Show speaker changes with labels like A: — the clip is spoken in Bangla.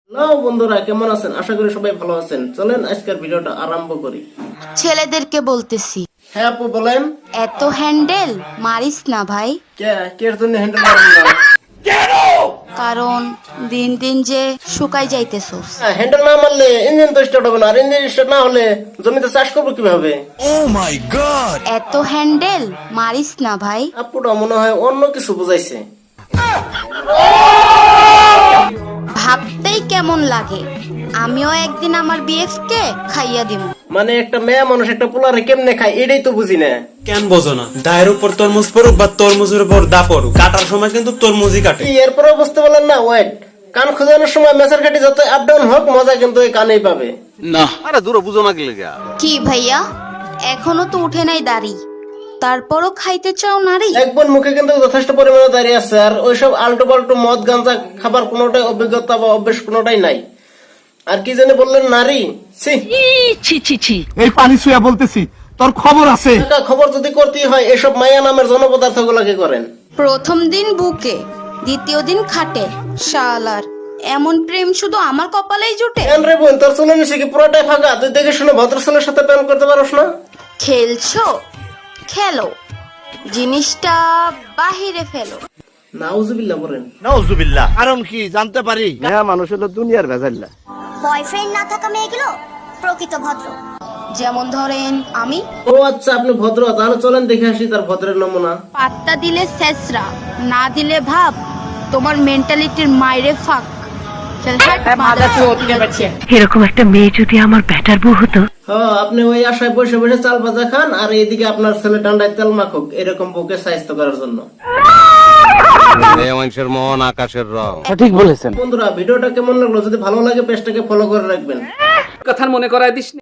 A: হ্যালো বন্ধুরা, কেমন আছেন? আশা করি সবাই ভালো আছেন। চলেন আজকের ভিডিওটা আরম্ভ করি।
B: ছেলেদেরকে বলতেছি,
A: হ্যাঁ আপু বলেন।
B: এত হ্যান্ডেল মারিস না ভাই,
A: কের জন্য হ্যান্ডেল মারেন না?
B: কারণ দিন দিন যে শুকাই যাইতেছস।
A: হ্যান্ডেল না মারলে ইঞ্জিন তো স্টার্ট হবে না, আর ইঞ্জিন স্টার্ট না হলে জমিতে চাষ করবো কিভাবে?
B: এত হ্যান্ডেল মারিস না ভাই।
A: আপুটা মনে হয় অন্য কিছু বুঝাইছে।
B: ভাবতেই কেমন লাগে, আমিও একদিন আমার বিএফ কে খাইয়া দিব।
A: মানে একটা মেয়ে মানুষ একটা পোলারে কেমনে খায় এটাই তো বুঝি না।
C: কেন বোঝো না? দায়ের উপর তরমুজ পড়ুক বা তরমুজের উপর দা পড়ুক, কাটার সময় কিন্তু তরমুজই কাটে।
A: কি এরপরেও বুঝতে পারলেন না? ওয়েট, কান খোঁজানোর সময় মেসার কাটি যত আপ ডাউন হোক, মজা কিন্তু এই কানেই পাবে।
D: আরে দূর বুঝো না কি লেগা?
B: কি ভাইয়া, এখনো তো উঠে নাই দাড়ি, তারপরও খাইতে চাও নারী?
A: এক বোন মুখে কিন্তু যথেষ্ট পরিমাণে দাঁড়িয়ে আছে, আর ওইসব আল্টো পাল্টো মদ গাঁজা খাবার কোনোটাই অভিজ্ঞতা বা অভ্যেস কোনোটাই নাই। আর কি জানি বললেন, নারী? ছি,
E: এই পানি ছুঁয়া বলতেছি, তোর খবর আছে?
A: একটা খবর যদি করতেই হয় এসব মায়া নামের জনপদার্থ গুলাকে করেন।
B: প্রথম দিন বুকে, দ্বিতীয় দিন খাটে, শালার এমন প্রেম শুধু আমার কপালেই জুটে।
A: কেন রে বোন, তোর চলে নিছে কি পুরোটাই ফাঁকা? তুই দেখে শুনে ভদ্রছেলের সাথে প্রেম করতে পারোস না?
B: খেলছো খেলো, জিনিসটা বাহিরে ফেলো।
A: নাউজুবিল্লাহ বলেন।
E: নাউজুবিল্লাহ। কারণ কি জানতে পারি? মেয়া মানুষ হলো দুনিয়ার ভেজাল্লা।
F: বয়ফ্রেন্ড না থাকা মেয়েগুলো প্রকৃত ভদ্র।
B: যেমন ধরেন আমি,
A: ও আচ্ছা, আপনি ভদ্র, তাহলে চলেন দেখে আসি তার ভদ্রের নমুনা।
B: পাত্তা দিলে শেষরা, না দিলে ভাব তোমার মেন্টালিটির মাইরে ফাঁক।
G: এরকম একটা মেয়ে যদি আমার ব্যাটার বউ হতো।
A: হ্যাঁ, আপনি ওই আশায় বসে বসে চাল ভাজা খান, আর এইদিকে আপনার ছেলে ঠান্ডায় তেল মাখুক এরকম বুকে স্বাস্থ্য করার জন্য।
D: মেয়ে মানুষের মন আকাশের রং।
A: বন্ধুরা, ভিডিওটা কেমন লাগলো? যদি ভালো লাগে পেজটাকে ফলো করে রাখবেন।
H: কথার মনে করায় দিস।